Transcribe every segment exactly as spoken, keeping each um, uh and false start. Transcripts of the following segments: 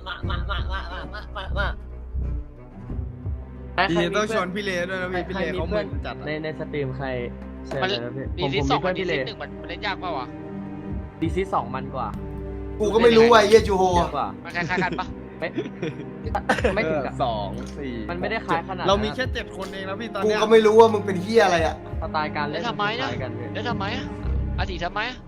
มามามามามามามามาพี่ต้องชวนพี่เลด้วยนะพี่พี่เลเขาเหมือนจัดในในสตรีมใครเชิญมันเลยนะพี่ดีผมซีผมสอมีงเพื่มัอน นดีพี่เลซีหนึ่งมันมันเล่นยากเปล่าวะดีซีสองมันกว่ากูก็ไม่รู้ไอ้เหี้ยจูโฮเยอะกว่ามันคล้ายๆกันปะไม่ไม่ถึงกับสองสี่มันไม่ได้คล้ายขนาดนั้นเรามีแค่เจ็ดคนเองแล้วพี่ตอนกูเนี้ยก็ไม่รู้ว่ามึงเป็นเหี้ยอะไรอ่ะสไตล์การเล่นแล้วทำไมคนะล้ายกันพี่แล้วทำไมอะอาทิตย์ทำไมอะ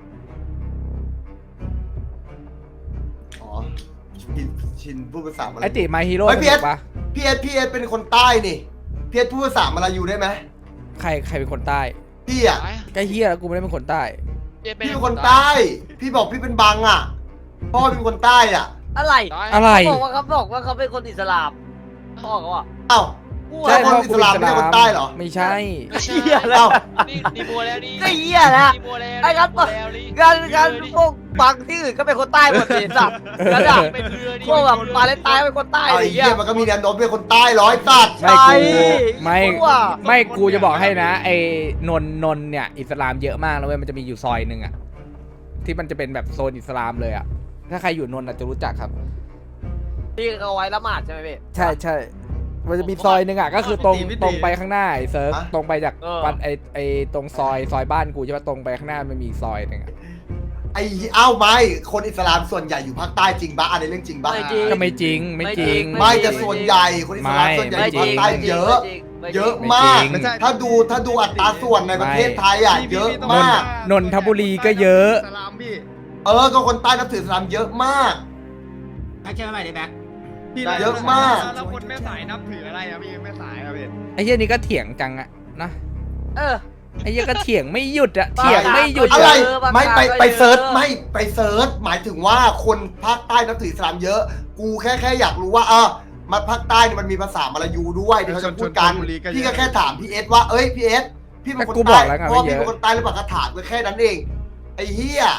อ๋อชินชินพูดภาษาอะไรไอติมาฮีโร่เฮ้ยสพี่เอนุสกปะพี่เอสพี่เอสเป็นคนใต้นี่พี่เอสพูดภาษามาลายูได้ไหมใครใครเป็นคนใต้พี่อ่ะทำไมอะใกล้เฮียแล้วกูไม่ได้เป็นคนใต้เจ๊พี่เป็นคนใต้ พี่บอกพี่เป็นบังอ่ะพ่อเป็นคนใต้อ่ะอะไรอะไรเขาบอกว่าเขาบอกว่าเขาเป็นคนอิสลามพ่อเขาอ่ะเอ้าใช่คพ่อนอิกูสลามไม่ใช่คนใต้เหรอไม่ใช่ไม่ใช่เหี้ยแล้วเอ้านี่นี่บัวแล้วนี่ก็เหี้ยนะนี่บัวแล้วไอ้ครับบัวแล้วนี่งานงานพวกบางที่อื่นก็เป็นคนใต้หมดเลยสัตว์กระดับเป็นเรือนี่พวกแบบปาเลสไตน์เป็นคนใต้เอาอะไรไอ้เงี้เหี้ยยมันก็มีแนวโน้มเป็นคนใต้ร้อยสัตว์ไม่กูไม่ว่าไม่กูจะบอกให้นะ ไอ้นนนนเนี่ยอิสลามเยอะมากแล้วเว้ยมันจะมีอยู่ซอยหนึ่งอะที่มันจะเป็นแบบโซนอิสลามเลยอะถ้าใครอยู่นนท์อาจจะรู้จักครับที่เอาไว้ละหมาดใช่ไหมพี่ใช่ใช่มันจะมีซอยหนึ่งอะก็คือตรงตรงไปข้างหน้าไอ้เซิร์ฟตรงไปจากเออวัดไอ้ไอ้ตรงซอยซอยบ้านกูใช่ปะตรงไปข้างหน้ามันมีซอยหนึ่งอะไอ้เอ้าไม่คนอิสลามส่วนใหญ่อยู่ภาคใต้จริงปะอันนี้เรื่องจริงปะไม่จริงก็ไม่จริงไม่จริงไม่แต่ส่วนใหญ่คนอิสลามส่วนใหญ่อยู่ภาคใต้เยอะ เยอะมากไม่จริงถ้าดูถ้าดูอัตราส่วนในประเทศไทยอ่ะเยอะมากนนทบุรีก็เยอะสลามพี่เออก็คนใต้นับถืออิสลามเยอะมากแบ็คเชื่อไหมดิแบ็คพี่เยอะมากแล้วคนแม่สายนับถืออะไรอะพี่แม่สายอะพี่ไอ้เหี้ยนี่ก็เถียงจังอะนะเออไอ้เหี้ยก็เถียงไม่หยุดอะเถียงไม่หยุดอะไรเยอะมากไม่ไปเยอะไปเซิร์ชไม่ไปเซิร์ชหมายถึงว่าคนภาคใต้นับถืออิสลามเยอะ กูแค่แค่อยากรู้ว่าเออมาภาคใต้เนี่ยมันมีภาษามลายูด้วยเดี๋ยวเขาจะพูดกันพี่ก็แค่ถามพี่เอสว่าเอ้ยพี่เอสพี่เป็นคนกูบใต้อกแล้วไงเพราะว่าว่าเยพี่อะเป็นคนใต้หรือเปล่าก็ถามก็แค่นั้นเองไอ้เหี้ย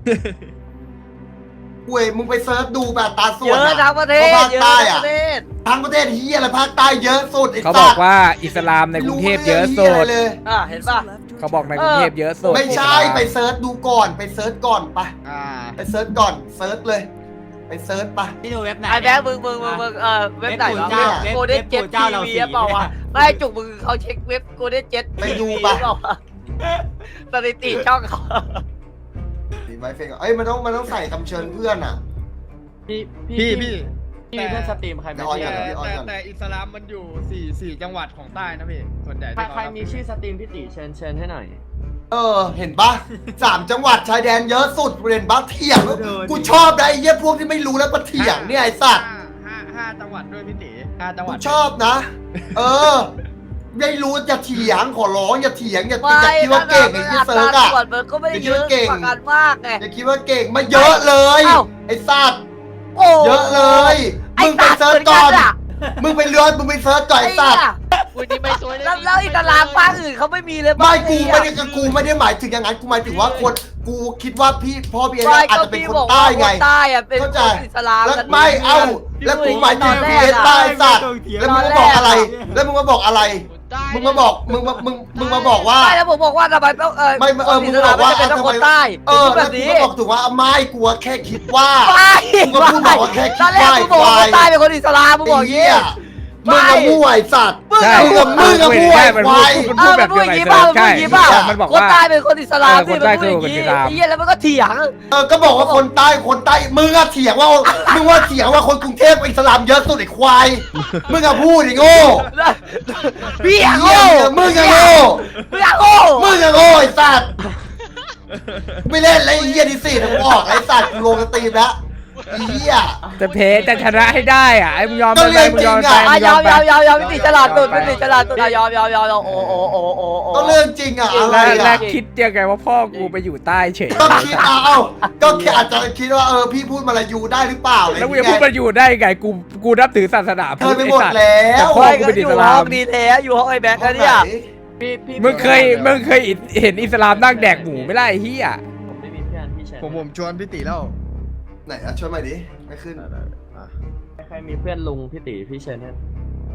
เว้ยมึงไปเซิร์ชดูแบบตาส่เยวนอะทั้งประเทศภาคเยอะใต้ทั้งอะประเทศทั้งประเทศเฮียอะไรภาคใต้เยอะสุดไอ้เขาสับอกตว์ว่าอิสลามในกรุงเทพเยอะสุดเลยอ่ะเห็นป่ะเขาบอกในกรุงเทพเยอะสุดไม่ใช่ไปเซิร์ชดูก่อนไปเซิร์ชก่อนไปอ่าไปเซิร์ชก่อนเซิร์ชเลย ไปเซิร์ชไปพี่ดูเว็บไหนไอ้แบ๊มึงมึงมึงมึงเออเว็บไหนวะเว็บโกลเด้นเว็เจ็บตเจ้าทีเราวีสีเปล่าวะไม่จุกมึงเขาเช็คเว็บโกลเด้นเจ็ตไปดูปะสถิติช่องเขาดีไหมเฟงเอ้ยมันต้องมันต้องใส่คำเชิญเพื่อนอ่ะพี่พี่พี่พี่มีเพื่อนสตรีมใครไหมแต่ออนพี่ก่แต่พี่ออนแต่ก่อนแต่อิสลามมันอยู่สี่สี่จังหวัดของใต้นะพี่ส่วนใหญ่ใครที่ใครเขามีชื่อสตรีมพี่ติเชิญเชิญให้หน่อยเออเห็นปะสามจังหวัดชายแดนเยอะสุดเรียนบ้าเถียงกูชอบนะไอ้เหี้ยพวกที่ไม่รู้แล้วมาเถียงเนี่ยไอ้สัตว์ห้าห้าห้าจังหวัดด้วยพี่ตีห้าจังหกูวัดชอบนะ เออไม่รู้อย่าเถียงขอร้องอย่าเถียงอย่าไม่อย่าคิดว่าเก่งไอ้ที่เซิร์ชอะส่วนมันก็ไม่ได้เยอะกว่ากันมากไงอย่าคิดว่าเก่งมาเยอะเลยเอ้าไอ้สัตว์โอ้เยอะเลยไอ้มึงไปสัตว์เซิร์ชเหมือนก่กัอน นอะมึงไปเลือนมึงไปเซิร์ชก่อนไอ้สัตว์คุณนี่ไม่สวยเลยแล้วแล้วอิสลามภาคอื่นเขาไม่มีเลยไม่กูไม่ได้กูไม่ได้หมายถึงอย่างนั้นกูหมายถึงว่าคนกูคิดว่าพี่พ่อพี่เอ็นอาจจะเป็นคนใต้ไงใต้อะเป็นเข้าคใจนอิสลามแล้วกันไม่เอ้าแล้วกูหมายถึงพี่เอ็นใต้สัตว์แล้วมึงมาบอกอะไร แล้วมึงมาบอกอะไร มึงมาบอกมึงมามึงมึงมาบอกว่าไม่แล้วผมบอกว่าทำไมต้องเออไม่เออคนมึอิงสบลาอมกว่าไม่จำเป็นต้องทำไมคนใต้เออพูดแบแล้วบกูนี้ก็บอกถึงว่าไม่กลัวแค่คิดว่าไม่มึงก็พูดบอกว่าแค่คิดตอนแรกว่ามึงบอกว่าคนใต้เป็นคนอิสลามมึงบอกอย่างไอ้งี้เหี้ยมึงกับมั่วไอ้สัตว์ใช่มึงกับมึงกับมั่วไอ้มันควายมันเอพูดอแบมันบพูดเดีอยวย่างกับงี้ไอ้เปล่าเซิร์ฟมันพูดอย่างงี้เปล่าใช่มันบอกคนว่าใต้เป็นคนอิสลามเออคนใต้คือคนอิสลามไอ้เหี้ยแล้วมันก็เถียงเออก็บอกว่าคนใต้คนใต้มึงอะเถียงว่ามึงว่าเถียงว่าคนกรุงเทพอิสลามเยอะสุดไอ้ควายมึงอะพูดไอ้โง่พี่อะเหี้โง่ยมึงอะโง่มึงอะโง่มึงอะโง่ไอ้สัตว์ไม่เล่นแล้วไอ้เหี้ยดิสี่ทั้งออกไอ้สัตว์กูลงสตรีมแล้วไอ้เหี้ยจะเพจะชนะให้ได้อ่ะไอ้มึงยอมก็ไปเรื่องมึงยอมจริงไปอะมึงอ่ะยยออมมไปยอมยอมยอมพี่ติฉลาดตุดพี่ติฉลาดตุดอ่ะยอมยอมยอมยอมโอ้โอ้โอ้โอ้โอ้ก็เรื่องจริงอะอะไรแล้วแล้วอะคิดยังไงว่าพ่อกูไปอยู่ใต้เฉยก็คิดเอาเอาก็แค่อาจจะคิดว่าเออพี่พูดมาลายูได้หรือเปล่าอะไรอแล้วย่างกูจะเงี้พูดมาย อยู่ได้ไงกูกูนับถือศาสนาเธพุอทธไปไอ้หมดสัตว์แล้แต่วพ่อกูเป็นอิสลามดีแท้อยู่ห้องไอ้แบ็คนะเนี่ยพี่พี่มึงเคยมึงเคยเห็นอิสลามนั่งแดกหมูไม่ได้ไอ้เฮียผมไม่มีเพื่อนพี่เชิญผมผมชวนพี่ตีแล้วไหนอะช่วยมาดิไม่ขึ้นใครมีเพื่อนลุงพี่ติพี่เชิญให้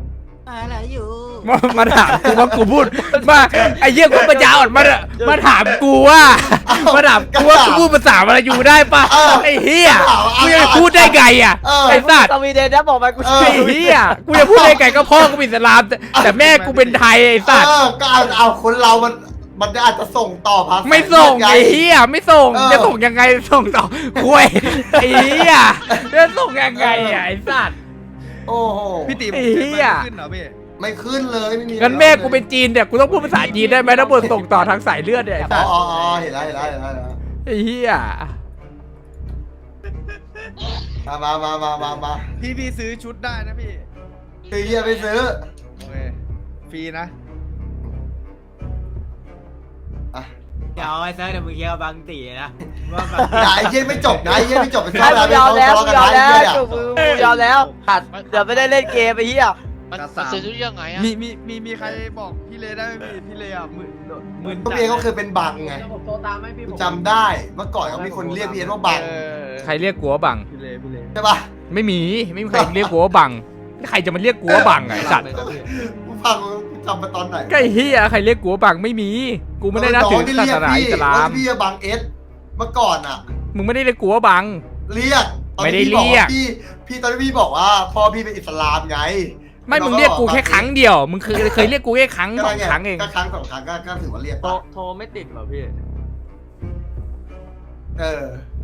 อะไรอยู่มามาถามกูว่ากูพูดมาไอ้เหี้ยกูปัญญาอ่อนมามาถามกูว่ามาถามกูว่ากูพูดภาษาอะไรอยู่ได้ปะไอ้เหี้ยกูจะพูดได้ไงอ่ะไอ้สัตว์สวีเดนนะบอกไปกูไอ้เหี้ยกูจะพูดได้ไงก็พ่อกูเป็นอิสลามแต่แต่แม่กูเป็นไทยไอ้สัตว์เออก็เอาเอาคนเรามันมันอาจจะส่งต่อภาษาไม่ส่งไงไอ้เหี้ยไม่ส่งเออจะส่งยังไงส่งต่อคุยไอ้เหี้ยจะส่งยังไงอ่ะไอ้สัตว์โอ้โหพี่ตีไอ้เหี้ยขึ้นเหรอพี่ไม่ขึ้นเลยไม่มีงั้นแม่กูเป็นจีนเนี่ยกูต้องพูดภาษาจีนได้ไหมถ้าบทส่งต่อทางสายเลือดเนี่ยไอ้อ๋สัอตว์อ๋ออ๋อเห็นแล้วเห็นแล้วเห็นแล้วเห็นแล้วไอ้เหี้ยมามามามามามาพี่พี่ซื้อชุดได้นะพี่ซื้อเฮียไม่ซื้อโอเคฟรีนะอ่ะเดี๋ยวไอ้เซิร์ฟเดี๋ยวมึงเคี้ยวบางตีนะว่าบางอย่าไอ้เหี้ยไม่จบนะไอ้เหี้ยไม่จบไปใช่ซ้อมกูแล้วยอมแล้วไม่กูซ้อมยอมกันแล้วนะจูบกูยอมแล้วตัดเดี๋ยวไม่ได้เล่นเกมไปเฮียมันกระมัสาน มซื้อชุดยังไงอะมีมีมีมีใครบอกพี่เลได้ไหมพี่พี่เลอ่ะมือมือก็พี่เอเขาเคยเป็นบังไงผมโทรตามให้พี่ผมจำได้เมื่อก่อนเขามีคนเรียกพี่เอว่าบังเออใครเรียกกูว่าบังพี่เลพี่เลใช่ปะไม่มีไม่มีใครเรียกกูว่าบังใครจะมาเรียกกูว่าบังไอ้สัตว์กูฟังกูจำมาตอนไหนก็ไอ้เหี้ยใครเรียกกูว่าบังไม่มี กูไม่ได้นับถือศาสนาอิสลามพี่บังเอสเมื่อก่อนอ่ะมึงไม่ได้เรียกกูว่าบังเรียกตอนไม่ได้ที่พี่บอกเรียกว่าพี่พี่ตอนที่พี่บอกว่าพ่อพี่เป็นอิสลามไงไม่มึงเรียกกูแค่ครั้งเดียวมึงเคยเคยเรียกกูแค่ครั้งสองครั้งเองก็ครั้งสองครั้งก็ก็ถือว่าเรียกโทรปะโทรไม่ติดเหรอพี่เออ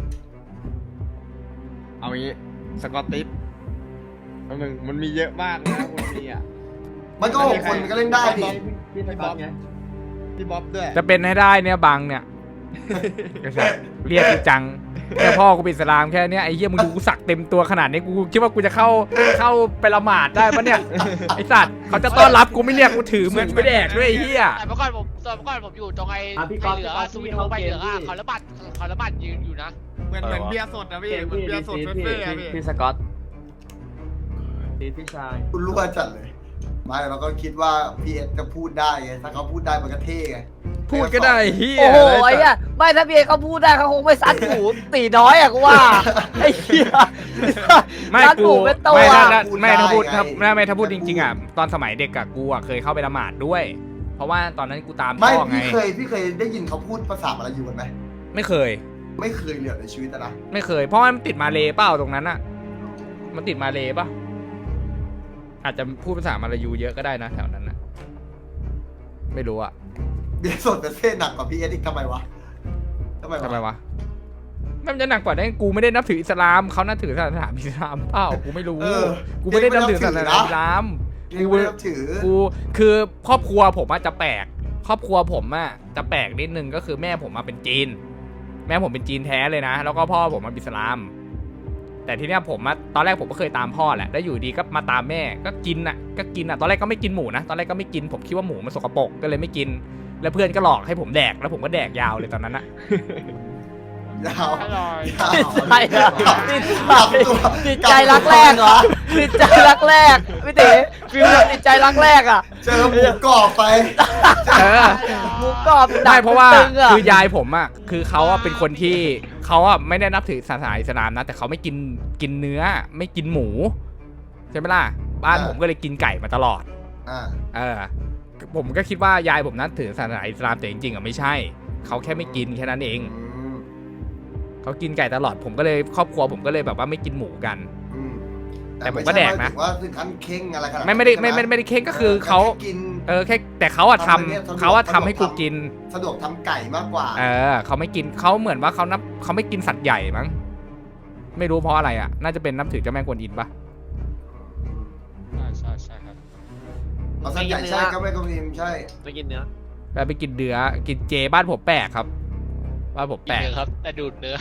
เอางี้สกอตติสแป๊บนึงมันมีเยอะมากนะคนนี้อ่ะมันก็หกคนก็เล่นได้ดิพี่สก๊อตไงพี่บ๊อบด้วยจะเป็นให้ได้เนี่ยบังเนี่ยไอ้สัตว์เรียกกูจังแค่พ่อกูเป็นอิสลามแค่เนี้ยไอ้เหี้ยมึงดูกูสักเต็มตัวขนาดนี้กูคิดว่ากูจะเข้าเข้าไปละหมาดได้ปะเนี่ยไอ้สัตว์เขาจะต้อนรับกูไม่เรียกกูถือเหมือนไม่แดกด้วยไอ้เหี้ยแต่เมื่อก่อนผมตอนเมื่อก่อนผมอยู่ตรงไอ้อ่ะพี่ไฟก๊อฟเหลืองพี่ก๊ออะฟสวิพี่ตเข้าไฟเกเหลืมองอะพี่เขาระบาดเขาระบาดยืนอยู่นะเหมือนเหมือนเบียร์สดนะพี่เหมือนเบียร์สดพี่เฟ่ๆอะพี่พี่พี่สก๊อตพี่พี่ชายคุณรู้ว่าจัดเลยไม่เราก็คิดว่าพีเอสจะพูดได้ไงถ้าเขาพูดได้มันก็เท่ไงพูดก็ได้เหี้ยโอ้โหไอ้ไอ้สัเหี้ยตว์ไม่ถ้าพี่เอเขาพูดได้เขาคงไม่ซัดหูตีน้อยอะกูว่าไอ้เหี้ยไม่ซัดกูหูเป็นตัวไม่ถ้าไม่ถ้าพูดถ้าไม่ไม่ถ้าพูดจริงๆอ่ะตอนสมัยเด็กอะกูอะเคยเข้าไปละหมาดด้วย เพราะว่าตอนนั้นกูตามไม่พ่อไงพี่เคยพี่เคยได้ยินเขาพูดภาษาอะไรอยู่กันไหมไม่เคยไม่เคยเลยในชีวิตอะนะไม่เคย เพราะว่ามันติดมาเลเปล่าตรงนั้นอะมันติดมาเลป่ะอาจจะพูดภาษามาลายูเยอะก็ได้นะแถวนั้นนะไม่รู้อะเบียร์สดแต่เท่หนักกว่าพีเอสอีกทำไมวะทำไมทำไมวะวะมันจะหนักกว่าได้กูไม่ได้นับถืออิสลามเขานับถือศาสนาอิสลามเปล่ากูไม่รู้เออกูไม่ได้นับถือศาสนาอิสลามกูไม่นับถือกูคือครอบครัวผมอะจะแปลกครอบครัวผมอะจะแปลกนิดนึงก็คือแม่ผมมาเป็นจีน แม่ผมเป็นจีนแท้เลยนะ แล้วก็พ่อผมมาเป็นอิสลาม แต่ทีเนี้ยผมอะตอนแรกผมก็เคยตามพ่อแหละแล้วอยู่ดีก็มาตามแม่ก็กินอะก็กินอะตอนแรกก็ไม่กินหมูนะตอนแรกก็ไม่กินผมคิดว่าหมูมันสกปรกก็เลยไม่กิน แล้วเพื่อนก็หลอกให้ผมแดกแล้วผมก็แดกยาวเลยตอนนั้นอะยาวอร่อยยาวติดใจอะติดใจตัวติดใจรักแรกเหรอติดใจรักแรกพี่ตีฟิวติดใจรักแรกอะเจอหมูกรอบไปเออหมูกรอบได้เพราะว่าตึงอะคือยายผมอ่ะคือเขาอ่ะเป็นคนที่เขาอ่ะไม่ได้นับถือศาสนาอิสลามนะแต่เขาไม่กินกินเนื้อไม่กินหมูใช่ไหมล่ะบ้านผมก็เลยกินไก่มาตลอดอ่าเออผมก็คิดว่ายายผมนับถือศาสนาอิสลามแต่จริงๆอ่ะไม่ใช่เขาแค่ไม่กินแค่นั้นเองอืมเขากินไก่ตลอดผมก็เลยครอบครัวผมก็เลยแบบว่าไม่กินหมูกันอืมแต่ผมก็แดกนะไม่ใช่ว่าถึงขั้นเข่งอะไรขนาดนั้นไม่ไม่ได้ไม่ไม่ไม่ได้เค้งก็คือเขาแกินเออแค่แต่เขาอะททำอะไรเนี่ยสะดวกำเขาอะทำให้กูกินสะดวกทำไก่มากกว่าเออเขาไม่กินเขาเหมือนว่าเขานับเขาไม่กินสัตว์ใหญ่มั้งไม่รู้เพราะอะไรอ่ะ น่าจะเป็นนับถือเจ้าแม่กวนอิมปะใช่ใช่ใช่ครับเอาสัตว์ใหญ่ใช่ก็ไม่ก็มีใช่ไม่กินเนื้อแล้วไปกินเนื้อกินเจบ้านผมแปลกครับบ้านผมกิแปนลกเนื้อครับแต่ดูดเนื้อ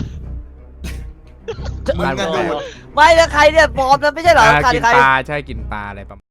มึงกระโดดไม่แล้วใครเนี่ยปลอมนะไม่ใช่เหรออ่าใครกินใครปลาใช่กินปลาอะไรประมาณ